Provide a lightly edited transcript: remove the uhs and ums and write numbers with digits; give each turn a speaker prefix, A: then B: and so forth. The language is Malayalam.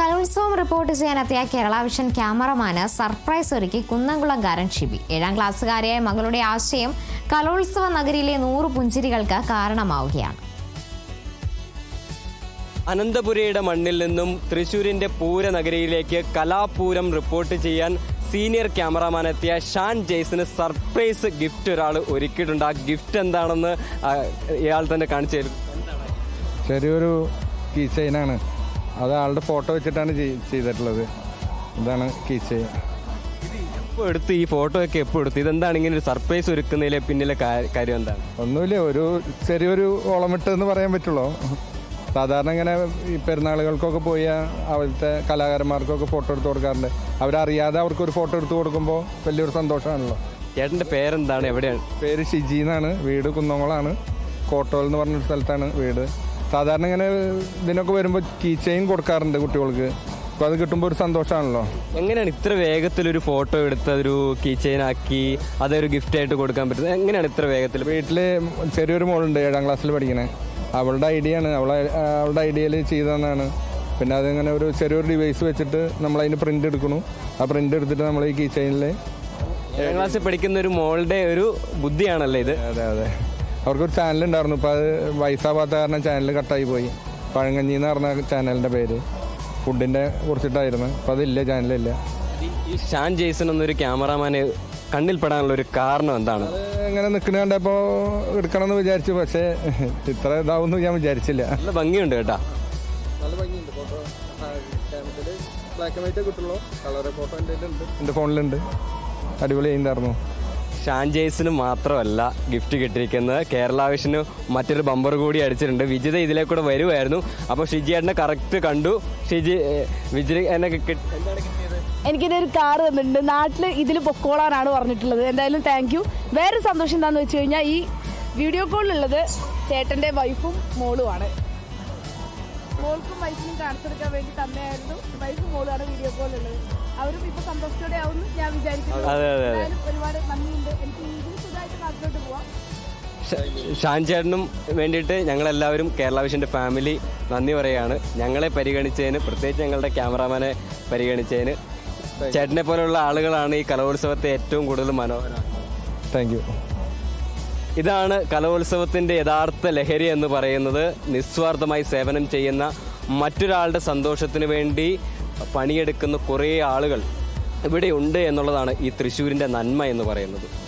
A: കലോത്സവം റിപ്പോർട്ട് ചെയ്യാനെത്തിയ കേരള വിഷൻ ക്യാമറമാന് സർപ്രൈസ് ഒരുക്കി കുന്നംകുളംകാരൻ ഷിബി. 7ാം ക്ലാസ്സുകാരിയായ മകളുടെ ആശയം കലോത്സവ നഗരിയിലെ 100 പുഞ്ചിരികൾക്ക് കാരണമാവുകയാണ്.
B: അനന്തപുരയുടെ മണ്ണിൽ നിന്നും തൃശ്ശൂരിന്റെ പൂരനഗരിയിലേക്ക് കലാപൂരം റിപ്പോർട്ട് ചെയ്യാൻ സീനിയർ ക്യാമറാമാൻ എത്തിയ ഷാൻ ജെയ്സിന് സർപ്രൈസ് ഗിഫ്റ്റ് ഒരാൾ ഒരുക്കിയിട്ടുണ്ട്. ആ ഗിഫ്റ്റ് എന്താണെന്ന് ഇയാൾ തന്നെ കാണിച്ചു തരും.
C: ചെറിയൊരു കീ ചെയിനാണ്, അത് ആളുടെ ഫോട്ടോ വെച്ചിട്ടാണ് ചെയ്തിട്ടുള്ളത്. ഇതാണ് കീ ചെയിൻ.
B: എപ്പോൾ എടുത്ത് ഈ ഫോട്ടോ ഒക്കെ എപ്പോൾ എടുത്ത്? ഇതെന്താണ് ഇങ്ങനെ ഒരു സർപ്രൈസ് ഒരുക്കുന്നതിലെ പിന്നിലെ കാര്യം എന്താണ്?
C: ഒന്നുമില്ല, ഒരു ചെറിയൊരു ഓളമിട്ട് എന്ന് പറയാൻ പറ്റുള്ളൂ. സാധാരണ ഇങ്ങനെ ഈ പെരുന്നാളുകൾക്കൊക്കെ പോയി അവിടുത്തെ കലാകാരന്മാർക്കൊക്കെ ഫോട്ടോ എടുത്ത് കൊടുക്കാറുണ്ട്. അവരറിയാതെ അവർക്കൊരു ഫോട്ടോ എടുത്ത് കൊടുക്കുമ്പോൾ വലിയൊരു സന്തോഷമാണല്ലോ.
B: ചേട്ടൻ്റെ പേരെന്താണ്? എവിടെയാണ്?
C: പേര് ഷിജി എന്നാണ്. വീട് കുന്നംകുളമാണ്. കോട്ടോൽ എന്ന് പറഞ്ഞൊരു സ്ഥലത്താണ് വീട്. സാധാരണ ഇങ്ങനെ ഇതിനൊക്കെ വരുമ്പോൾ കീ ചെയിൻ കൊടുക്കാറുണ്ട് കുട്ടികൾക്ക്. അപ്പോൾ അത് കിട്ടുമ്പോൾ ഒരു സന്തോഷമാണല്ലോ.
B: എങ്ങനെയാണ് ഇത്ര വേഗത്തിലൊരു ഫോട്ടോ എടുത്ത് അതൊരു കീ ചെയിൻ ആക്കി അതൊരു ഗിഫ്റ്റായിട്ട് കൊടുക്കാൻ പറ്റുന്നത്? എങ്ങനെയാണ് ഇത്ര വേഗത്തിൽ?
C: വീട്ടിൽ ചെറിയൊരു മോളുണ്ട്, 7ാം ക്ലാസ്സിൽ പഠിക്കണേ. അവളുടെ ഐഡിയ ആണ്, അവളുടെ ഐഡിയയിൽ ചെയ്തതെന്നാണ്. പിന്നെ അതിങ്ങനെ ഒരു ചെറിയൊരു ഡിവൈസ് വെച്ചിട്ട് നമ്മളതിന് പ്രിൻ്റ് എടുക്കണു. ആ പ്രിൻ്റ് എടുത്തിട്ട് നമ്മൾ ഈ കീ ചെയിനിൽ
B: 7ാം ക്ലാസ്സിൽ പഠിക്കുന്ന ഒരു മോളുടെ ഒരു ബുദ്ധിയാണല്ലേ ഇത്?
C: അതെ അതെ. അവർക്കൊരു ചാനലുണ്ടായിരുന്നു, ഇപ്പോൾ അത് വയസ്സാവാത്ത കാരണം ചാനൽ കട്ടായി പോയി. പഴങ്കഞ്ഞി എന്ന് പറഞ്ഞ ചാനലിൻ്റെ പേര്, ഫുഡിൻ്റെ കുറിച്ചിട്ടായിരുന്നു. അപ്പോൾ അതില്ല, ചാനലില്ല.
B: ഈ ഷാൻ ജെയ്സൺ എന്നൊരു ക്യാമറാമാന് കണ്ണിൽപ്പെടാനുള്ള ഒരു കാരണം എന്താണ്?
C: ഇങ്ങനെ നിൽക്കുന്ന കണ്ടപ്പോൾ എടുക്കണമെന്ന് വിചാരിച്ചു, പക്ഷേ ഇത്ര ഇതാവുമെന്ന് ഞാൻ വിചാരിച്ചില്ല.
B: നല്ല ഭംഗിയുണ്ട് കേട്ടോ.
C: നല്ല ഭംഗിയുണ്ട്. ഫോട്ടോ ബ്ലാക്ക് ആൻഡ് വൈറ്റേ കിട്ടുള്ളൂ, കളർ ഫോട്ടോ എൻ്റെ ഫോണിലുണ്ട്. അടിപൊളി ചെയ്യുന്നുണ്ടായിരുന്നു.
B: ഷാൻ ജെയ്സിന് മാത്രമല്ല ഗിഫ്റ്റ് കിട്ടിയിരിക്കുന്നത്, കേരള വിഷന് മറ്റൊരു ബമ്പർ കൂടി അടിച്ചിട്ടുണ്ട്. വിജിത ഇതിലേക്കൂടെ വരുമായിരുന്നു. അപ്പോൾ ഷിജിയേട്ടനെ കറക്റ്റ് കണ്ടു. വിജിത എന്നെ എന്താണ് കിട്ടിയത്?
D: എനിക്കിതൊരു കാർ തന്നിട്ടുണ്ട്. നാട്ടിൽ ഇതിൽ പൊക്കോളാനാണ് പറഞ്ഞിട്ടുള്ളത്. എന്തായാലും താങ്ക് യു. വേറൊരു സന്തോഷം എന്താണെന്ന് വെച്ച് കഴിഞ്ഞാൽ ഈ വീഡിയോ കോളിലുള്ളത് ചേട്ടൻ്റെ വൈഫും മോളുമാണ്. മോൾക്കും വൈഫിനും കാണിച്ചെടുക്കാൻ വേണ്ടി തന്നെയായിരുന്നു. വൈഫും മോളുമാണ് വീഡിയോ കോളിലുള്ളത്. അവരും ഇപ്പോൾ സന്തോഷത്തോടെ ആവുമെന്ന് ഞാൻ വിചാരിക്കുന്നു. ഒരുപാട് നന്ദിയുണ്ട്. എനിക്ക് ഇതിന് സുഖമായിട്ട് നാട്ടിലോട്ട് പോവാം.
B: ഷാൻ ചേട്ടനും വേണ്ടിയിട്ട് ഞങ്ങളെല്ലാവരും കേരള വിഷൻ്റെ ഫാമിലി നന്ദി പറയുകയാണ്. ഞങ്ങളെ പരിഗണിച്ചതിന്, പ്രത്യേകിച്ച് ഞങ്ങളുടെ ക്യാമറാമാനെ പരിഗണിച്ചതിന്. ചേട്ടനെ പോലെയുള്ള ആളുകളാണ് ഈ കലോത്സവത്തെ ഏറ്റവും കൂടുതൽ മനോഹരമാണ്.
C: Thank you.
B: ഇതാണ് കലോത്സവത്തിൻ്റെ യഥാർത്ഥ ലഹരി എന്ന് പറയുന്നത്. നിസ്വാർത്ഥമായി സേവനം ചെയ്യുന്ന, മറ്റൊരാളുടെ സന്തോഷത്തിന് വേണ്ടി പണിയെടുക്കുന്ന കുറേ ആളുകൾ ഇവിടെ ഉണ്ട് എന്നുള്ളതാണ് ഈ തൃശ്ശൂരിൻ്റെ നന്മ എന്ന് പറയുന്നത്.